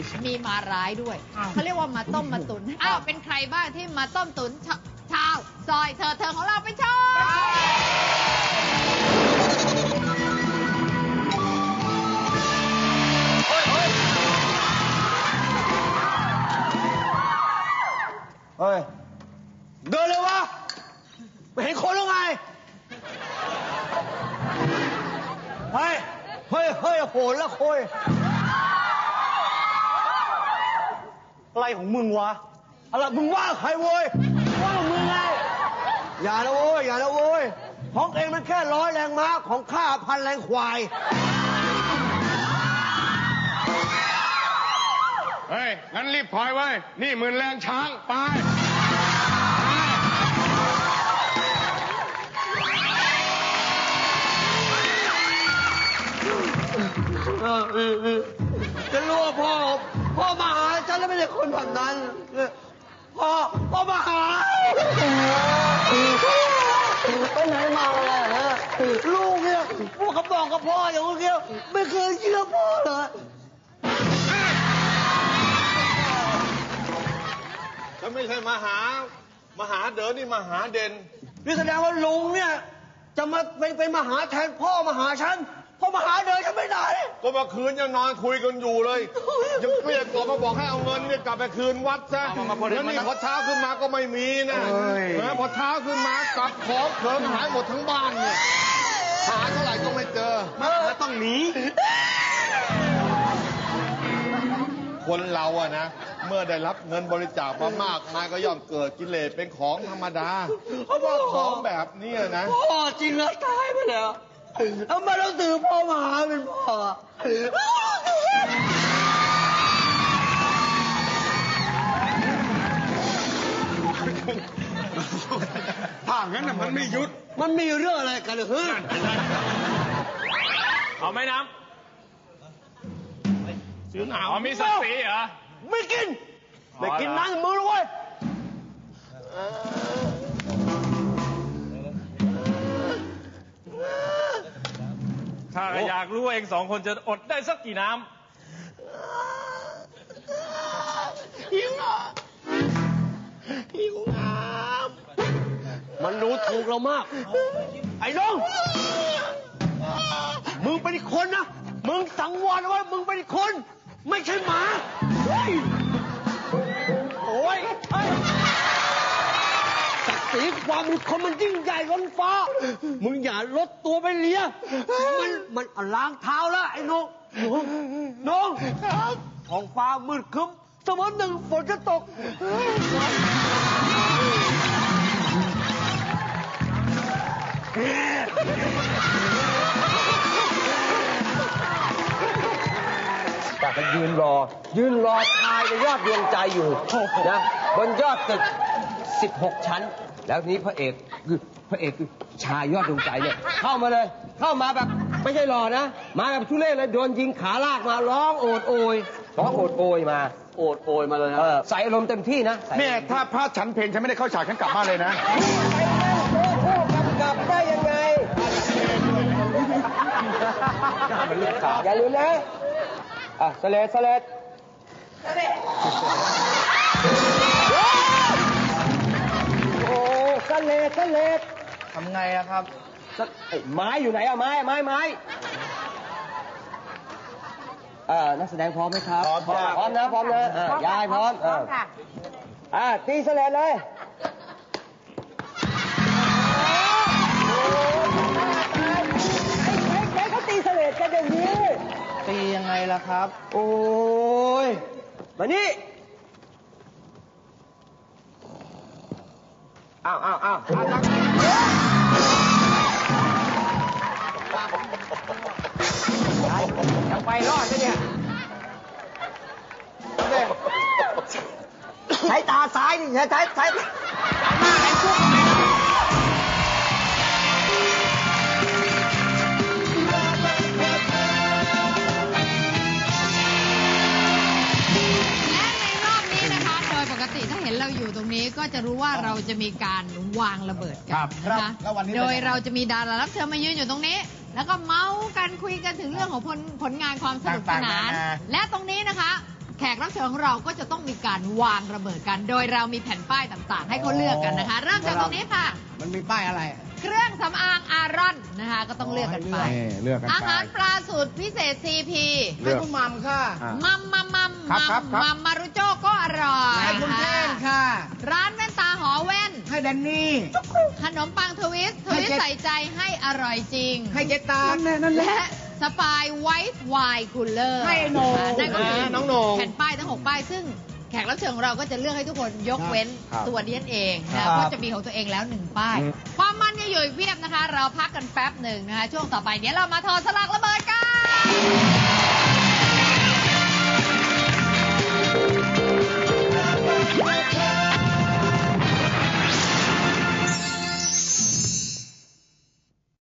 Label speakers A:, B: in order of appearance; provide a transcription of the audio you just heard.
A: มีมาร้ายด้วยเขาเรียกว่ามาต้มมาตุ๋นอ้าวเป็นใครบ้างที่มาต้มตุ๋นชาวซอยเธอของเราไปชม
B: เฮ้ยเดินเลยวะไม่เห็นคนหรือไงเฮ้ยโหนละโคยอะไรของมึงวะอะไรมึงว่าใครโว้ยว่ามึงไงอย่านะโว้ยของเองมันแค่100 แรงม้าของข้า1,000 แรงควาย
C: เฮ้ยงั้นรีบถอยไว้นี่10,000 แรงช้างไป
B: จะรู้ว่าพ่อมาหาฉันแล้วไม่ใช่คนแบบนั้นพ่อมาหาไปไหนมาเลยฮะลูกเนี่ยพวกเขาบอกกับพ่ออย่างเงี้ยไม่เคยเชื่อพ่อเลย
C: ฉันไม่ใช่มาหาเดินนี่มาหาเด่น
B: นี่แสดงว่าลุงเนี่ยจะมาเป็นมาหาแทนพ่อมาหาฉันพ่อมาหาเดินฉันไม่ได้
C: ก็เมื่อคืนยังนอนคุยกันอยู่เลยยังเกลี้ยกล่อมมาบอกให้เอาเงินเนี่ยกลับไปคืนวัดซะแล้วนี่พอเช้าขึ้นมาก็ไม่มีนะพอเช้าขึ้นมากลับของเขิงหายหมดทั้งบ้านเนี่ยหาเท่าไหร่ก็ไม่เจอ
B: แล้วต้องหนี
C: คนเราอะนะเมื่อได้รับเงินบริจาคมามากมายก็ย่อมเกิดกิเลสเป็นของธรรมดาเพราะว่าของแบบนี้นะ
B: พ่อจริงแล้วตายไปแล้วทำไมต้องถือพ่อมาหาเป็นพ่อ
C: ถ้างั้นน่ะมันไม่หยุด
B: มันมีเรื่องอะไรกันเหรอ
D: เอาไหมน้ำซื้อหนาวมีศักดิ์ศรีเหรอ
B: ไม่กินน้ำมือเลยเว้ย
D: ข้าอยากรู้ว่าเอง2 คนจะอดได้สักกี่น้ำ
B: หิวน้ำมันรู้ถูกเรามากไอ้น้องมึงเป็นคนนะมึงสังวรว่ามึงเป็นคนไม่ใช่หมาโอ้ยศักดิ์ศรีความเป็นคนมันยิ่งใหญ่ล้นฟ้ามึงอย่าลดตัวไปเลียมันล้างเท้าแล้วไอ้น้องท้องฟ้ามืดครึ้มเสมอหนึ่งฝนจะตกแต่ก็ยืนรอทายในยอดดวงใจอยู่นะบนยอดตึก16 ชั้นแล้วนี้พระเอกคือชายยอดดวงใจเนี่ยเข้ามาแบบไม่ใช่รอนะมาแบบทุเรศเลยโดนยิงขาลากมาร้องโอดโอยมาเลยนะใส่อารมณ์เต็มที่นะ
C: เนี่ยถ้าพระฉันเพลงฉันไม่ได้เข้าฉากฉันกลับบ้านเลยนะ
B: กลับได้ยังไงอย่าลืมนะสเลดโอ้สเลดทำไงอะครับไม้อยู่ไหนอะไม้นักแสดงพร้อมไหมครับพร้อมนะยายพร้อมค่ะตีสเลดเลยเขาตีสเลดกันอย่างนี้ตียังไงล่ะครับโอ้ยมานี่อ้าวจะไปรอดไหมเนี่ยใช้ตาซ้ายนี่ใช้หน้าไหนชุบ
A: ถ้าเห็นเราอยู่ตรงนี้ก็จะรู้ว่าเราจะมีการวางระเบิดกันนะคะโดยเราจะมีดารารับเชิญมายืนอยู่ตรงนี้แล้วก็เมาส์กันคุยกันถึงเรื่องของผลงานความสนุกสนานและตรงนี้นะคะแแขกรับเชิญของเราก็จะต้องมีการวางระเบิดกัน โดยเรามีแผ่นป้ายต่างๆ ให้เขาเลือกกันนะคะ เริ่มจากตรงนี้ค่ะ
E: มันมีป้ายอะไร
A: เครื่องสำอางอารอนนะคะ ก็ต้องเลือกกันไป
E: เลือกกันไป
A: อาหารปลาสูตรพิเศษ CP
E: ให้คุณมัมค่ะ
A: มัม
E: ครับ
A: มารุโจก็อร่อย
E: ให้คุณเท่งค่ะ
A: ร้านแว่นตาหอแว่น
E: ให้แดนนี่
A: ขนมปังทวิส
E: ให้เจ๊
A: ใส่ใจให้อร่อยจริง
E: ให้เจตานั่นแหละ
A: และสปายไวท์ไวน์คูลเลอร์
E: ให้โหน่ง
A: นั่นก็คือ
C: น้องโหน่ง
A: แผ่นป้ายทั้ง 6 ป้าย ซึ่งแขกรับเชิญของเราก็จะเลือกให้ทุกคนยกเว้น
E: ครับ
A: ตัวดิฉันเอง
E: ครั
A: นะ
E: บ
A: เพราะจะมีของตัวเองแล้ว 1 ป้าย ความมันเนี่ยอยู่อีกเพียบนะคะ เราพักกันแป๊บหนึ่งนะคะ ช่วงต่อไปเดี๋ยวเรามาถอดสลักระเบิดกัน